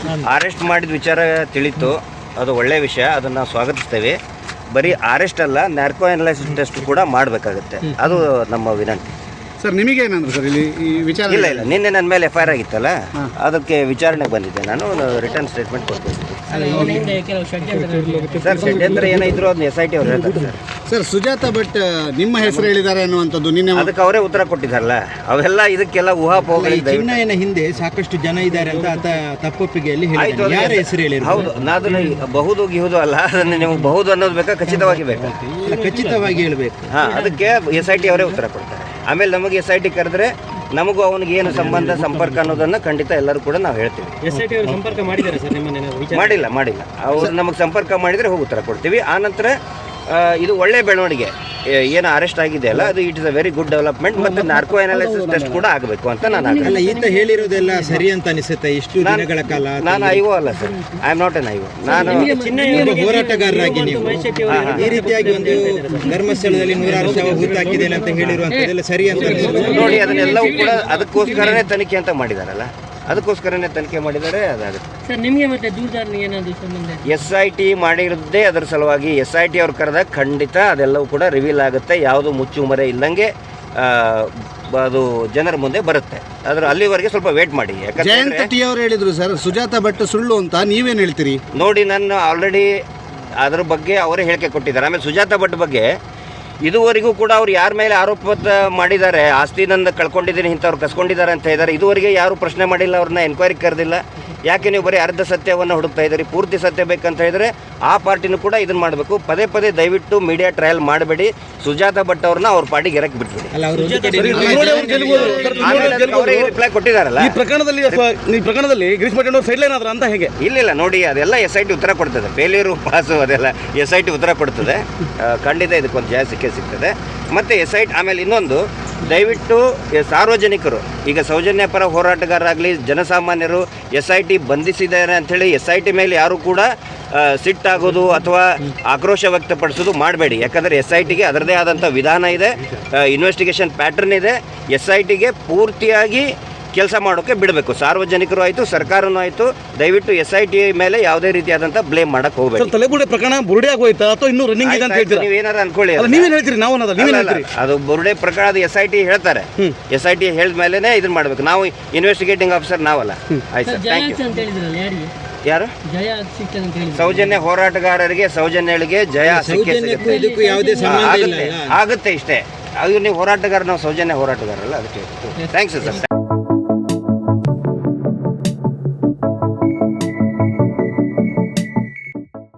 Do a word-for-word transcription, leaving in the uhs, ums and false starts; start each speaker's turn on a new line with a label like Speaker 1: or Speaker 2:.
Speaker 1: Arrest ಮಾಡಿದ ವಿಚಾರ ತಿಳಿತು, ಅದು ಒಳ್ಳೆಯ ವಿಷಯ, ಅದನ್ನು ನಾವು ಸ್ವಾಗತಿಸ್ತೇವೆ. ಬರೀ ಅರೆಸ್ಟ್ ಅಲ್ಲ, ನ್ಯಾರ್ಕೋ ಅನಲೈಸಿಸ್ ಟೆಸ್ಟ್ ಕೂಡ ಮಾಡಬೇಕಾಗುತ್ತೆ, ಅದು ನಮ್ಮ ವಿನಂತಿ.
Speaker 2: ಸರ್ ನಿಮಗೆ ಏನಂದ್ರೆ ಸರ್ ಇಲ್ಲಿ ಈ ವಿಚಾರ?
Speaker 1: ಇಲ್ಲ ಇಲ್ಲ ನಿನ್ನೆ ನನ್ನ ಮೇಲೆ ಎಫ್ ಐ ಆರ್ ಆಗಿತ್ತಲ್ಲ, ಅದಕ್ಕೆ ವಿಚಾರಣೆಗೆ ಬಂದಿದ್ದೆ, ನಾನು ರಿಟರ್ನ್ ಸ್ಟೇಟ್ಮೆಂಟ್ ಕೊಡ್ತೀನಿ. ಸರ್ ಷಡ್ಯಂತ್ರ ಏನಾಯಿದ್ರು ಅದನ್ನ ಎಸ್ ಐ ಟಿ ಅವ್ರು ಹೇಳ್ತಾರೆ ಸರ್.
Speaker 2: ಸರ್ ಸುಜಾತ ಭಟ್ ನಿಮ್ಮ ಹೆಸರು ಹೇಳಿದ್ದಾರೆ ಅನ್ನುವಂಥದ್ದು ನಿನ್ನೆ
Speaker 1: ಅದಕ್ಕೆ ಅವರೇ ಉತ್ತರ ಕೊಟ್ಟಿದ್ದಾರಲ್ಲ, ಅವೆಲ್ಲ ಇದಕ್ಕೆಲ್ಲ ಊಹಾಪೋಹಗಳಿಂದ
Speaker 3: ಚಿನ್ನಯನ ಹಿಂದೆ ಸಾಕಷ್ಟು ಜನ ಇದ್ದಾರೆ ಅಂತ ಆತ ತಪ್ಪೊಪ್ಪಿಗೆಯಲ್ಲಿ ಹೇಳಿದ್ದಾರೆ. ಯಾರ ಹೆಸರು ಹೇಳಿ?
Speaker 1: ಹೌದು, ಅದನ್ನ ಬಹುದು ಗಿಹುದು ಅಲ್ಲ, ಅದನ್ನು ನೀವು ಬಹುದು ಅನ್ನೋದು ಬೇಕಾ, ಖಚಿತವಾಗಿ ಬೇಕಾ?
Speaker 3: ಖಚಿತವಾಗಿ ಹೇಳಬೇಕು.
Speaker 1: ಹಾಂ, ಅದಕ್ಕೆ ಎಸ್ ಐ ಟಿ ಅವರೇ ಉತ್ತರ ಕೊಡ್ತಾರೆ. ಆಮೇಲೆ ನಮಗೆ ಎಸ್ ಐ ಟಿ ಕರೆದ್ರೆ ನಮಗೂ ಅವನಿಗೆ ಏನು ಸಂಬಂಧ ಸಂಪರ್ಕ ಅನ್ನೋದನ್ನು ಖಂಡಿತ ಎಲ್ಲರೂ ಕೂಡ ನಾವು ಹೇಳ್ತೀವಿ.
Speaker 4: ಎಸ್ ಐ ಟಿ ಅವರು ಸಂಪರ್ಕ ಮಾಡಿದ್ದಾರೆ ಸರ್ ನಿಮ್ಮನ್ನ?
Speaker 1: ಮಾಡಿಲ್ಲ ಮಾಡಿಲ್ಲ ಅವ್ರು ನಮಗೆ ಸಂಪರ್ಕ ಮಾಡಿದರೆ ಹೋಗಿ ಉತ್ತರ ಕೊಡ್ತೀವಿ. ಆನಂತರ ಇದು ಒಳ್ಳೆಯ ಬೆಳವಣಿಗೆ, ಏನು ಅರೆಸ್ಟ್ ಆಗಿದೆ ಅಲ್ಲ, ಅದು it is a very good development. ಮತ್ತು ನಾರ್ಕೋ ಅನಾಲಿಸಿಸ್ ಟೆಸ್ಟ್ ಕೂಡ ಆಗಬೇಕು ಅಂತ ನಾನು
Speaker 3: ಅಲ್ಲ ಈತ ಹೇಳಿರೋದೆಲ್ಲ ಸರಿ ಅಂತ ಅನಿಸುತ್ತೆ. ಇಷ್ಟು ದಿನಗಳ ಕಾಲ
Speaker 1: ನಾನು ಐವೋ ಅಲ್ಲ sir, I am not an ಐವೋ. ನಾನು
Speaker 3: ಹೋರಾಟಗಾರರಾಗಿ ನೀವು ಈ ರೀತಿಯಾಗಿ ಒಂದು ಧರ್ಮಸ್ಥಳದಲ್ಲಿ ನೂರಾರು ಶವ ಹೂತಾಕಿದೆ ಅಂತ ಹೇಳಿರುವಂಥದ್ದೆಲ್ಲ ಸರಿ ಅಂತ
Speaker 1: ನೋಡಿ, ಅದನ್ನೆಲ್ಲವೂ ಕೂಡ ಅದಕ್ಕೋಸ್ಕರನೇ ತನಿಖೆ ಅಂತ ಮಾಡಿದಾರಲ್ಲ, ಅದಕ್ಕೋಸ್ಕರನೇ ತನಿಖೆ ಮಾಡಿದರೆ ಅದಾಗುತ್ತೆ
Speaker 4: ಸರ್. ನಿಮಗೆ ಮತ್ತೆ ದೂರದಾರನಿಗೆ ಏನಾದರೂ ಸಂಬಂಧ?
Speaker 1: ಎಸ್ ಐ ಟಿ ಮಾಡಿರೋದೇ ಅದರ ಸಲುವಾಗಿ. ಎಸ್ ಐ ಟಿ ಅವ್ರು ಕರೆದಾಗ ಖಂಡಿತ ಅದೆಲ್ಲವೂ ಕೂಡ ರಿವೀಲ್ ಆಗುತ್ತೆ, ಯಾವುದು ಮುಚ್ಚುಮರೆ ಇಲ್ಲಂಗೆ ಅದು ಜನರ ಮುಂದೆ ಬರುತ್ತೆ. ಅದ್ರ ಅಲ್ಲಿವರೆಗೆ ಸ್ವಲ್ಪ ವೇಟ್ ಮಾಡಿ.
Speaker 2: ಜಯಂತ ಟಿ ಅವರು ಹೇಳಿದ್ರು ಸರ್ ಸುಜಾತ ಭಟ್ ಸುಳ್ಳು ಅಂತ, ನೀವೇನು ಹೇಳ್ತೀರಿ?
Speaker 1: ನೋಡಿ, ನಾನು ಆಲ್ರೆಡಿ ಅದ್ರ ಬಗ್ಗೆ ಅವರೇ ಹೇಳಿಕೆ ಕೊಟ್ಟಿದ್ದಾರೆ. ಆಮೇಲೆ ಸುಜಾತ ಭಟ್ ಬಗ್ಗೆ ಇದುವರೆಗೂ ಕೂಡ ಅವ್ರು ಯಾರ ಮೇಲೆ ಆರೋಪ ಮಾಡಿದ್ದಾರೆ, ಆಸ್ತಿ ನನ್ನ ಕಳ್ಕೊಂಡಿದ್ದೀನಿ ಇಂಥವ್ರು ಕಸ್ಕೊಂಡಿದ್ದಾರೆ ಅಂತ ಹೇಳಿದ್ದಾರೆ, ಇದುವರೆಗೆ ಯಾರು ಪ್ರಶ್ನೆ ಮಾಡಿಲ್ಲ, ಅವ್ರನ್ನ ಎನ್ಕ್ವೈರಿ ಕರೆದಿಲ್ಲ. ಯಾಕೆ ನೀವು ಬರೀ ಅರ್ಧ ಸತ್ಯವನ್ನು ಹುಡುಕ್ತಾ ಇದ್ದೀರಿ? ಪೂರ್ತಿ ಸತ್ಯ ಬೇಕಂತ ಹೇಳಿದ್ರೆ ಆ ಪಾರ್ಟಿನೂ ಕೂಡ ಇದನ್ನು ಮಾಡಬೇಕು. ಪದೇ ಪದೇ ದಯವಿಟ್ಟು ಮೀಡಿಯಾ ಟ್ರಯಲ್ ಮಾಡಬೇಡಿ. ಸುಜಾತ ಭಟ್ ಅವ್ರನ್ನ ಅವ್ರ ಪಾರ್ಟಿಗೆ ಎರಕ್ಕೆ ಬಿಟ್ಬಿಡಿ. ಅವರೇ ರಿಪ್ಲೈ ಕೊಟ್ಟಿದ್ದಾರಲ್ಲ
Speaker 5: ಈ ಪ್ರಕರಣದಲ್ಲಿ. ಈ ಪ್ರಕರಣದಲ್ಲಿ ಗಿರೀಶ್ ಮಠ ಸೈಡ್ ಲೈನ್ ಆದ್ರ ಅಂತ ಹೇಗೆ?
Speaker 1: ಇಲ್ಲ ನೋಡಿ, ಅದೆಲ್ಲ ಎಸ್ ಐ ಟಿ ಉತ್ತರ ಕೊಡ್ತದೆ. ಫೇಲ್ಯೂರು ಪಾಸು ಅದೆಲ್ಲ ಎಸ್ ಐ ಟಿ ಉತ್ತರ ಕೊಡ್ತದೆ. ಖಂಡಿತ ಇದಕ್ಕೊಂದು ಜಯ ಸಿಕ್ಕೇ ಸಿಗ್ತದೆ. ಮತ್ತು ಎಸ್ ಐ ಟಿ ಆಮೇಲೆ ಇನ್ನೊಂದು, ದಯವಿಟ್ಟು ಸಾರ್ವಜನಿಕರು, ಈಗ ಸೌಜನ್ಯ ಪರ ಹೋರಾಟಗಾರರಾಗಲಿ ಜನಸಾಮಾನ್ಯರು ಎಸ್ ಐ ಟಿ ಬಂಧಿಸಿದ್ದಾರೆ ಅಂಥೇಳಿ ಎಸ್ ಐ ಟಿ ಮೇಲೆ ಯಾರು ಕೂಡ ಸಿಟ್ಟಾಗೋದು ಅಥವಾ ಆಕ್ರೋಶ ವ್ಯಕ್ತಪಡಿಸೋದು ಮಾಡಬೇಡಿ. ಯಾಕಂದರೆ ಎಸ್ ಐ ಟಿಗೆ ಅದರದೇ ಆದಂಥ ವಿಧಾನ ಇದೆ, ಇನ್ವೆಸ್ಟಿಗೇಷನ್ ಪ್ಯಾಟರ್ನ್ ಇದೆ. ಎಸ್ ಐ ಟಿಗೆ ಪೂರ್ತಿಯಾಗಿ ಕೆಲಸ ಮಾಡೋಕ್ಕೆ ಬಿಡಬೇಕು. ಸಾರ್ವಜನಿಕರು ಆಯಿತು, ಸರ್ಕಾರನೂ ಆಯಿತು. ದಯವಿಟ್ಟು ಎಸ್ ಐ ಟಿ ಮೇಲೆ ಯಾವುದೇ ರೀತಿಯಾದಂಥ ಬ್ಲೇಮ್ ಮಾಡಕ್ಕೆ ಹೋಗಬೇಕು.
Speaker 5: ತಲೆಬುರುಡೆ ಪ್ರಕರಣ ಬುರುಡೆ ಆಗೋಯ್ತಾ ಅಥವಾ ಇನ್ನೂ ರನ್ನಿಂಗ್ ಇದೆ ಅಂತ ಹೇಳ್ತೀರಾ?
Speaker 1: ನೀವೇನಾರು ಅನ್ಕೊಳ್ಳಿ,
Speaker 5: ನೀವೇನು ಹೇಳ್ತೀರಿ? ನಾವು ನೀವೇನು ಹೇಳ್ತೀರಿ?
Speaker 1: ಅದು ಬುರುಡೆ ಪ್ರಕರಣದ ಎಸ್ ಐ ಟಿ ಹೇಳ್ತಾರೆ. ಎಸ್ ಐ ಟಿ ಹೇಳಿದ ಮೇಲೇ ಇದನ್ನ ಮಾಡಬೇಕು. ನಾವು ಇನ್ವೆಸ್ಟಿಗೇಟಿಂಗ್ ಆಫೀಸರ್ ನಾವಲ್ಲ. ಆಯ್ತು ಸರ್, ಥ್ಯಾಂಕ್ ಯು. ಯಾರು? ಸೌಜನ್ಯ ಹೋರಾಟಗಾರರಿಗೆ, ಸೌಜನ್ಯಗಳಿಗೆ ಜಯ ಆಗುತ್ತೆ, ಇಷ್ಟೇ. ಅದು ನೀವು ಹೋರಾಟಗಾರ, ನಾವು ಸೌಜನ್ಯ ಹೋರಾಟಗಾರಲ್ಲ, ಅದಕ್ಕೆ ಥ್ಯಾಂಕ್ಸ್ ಸರ್.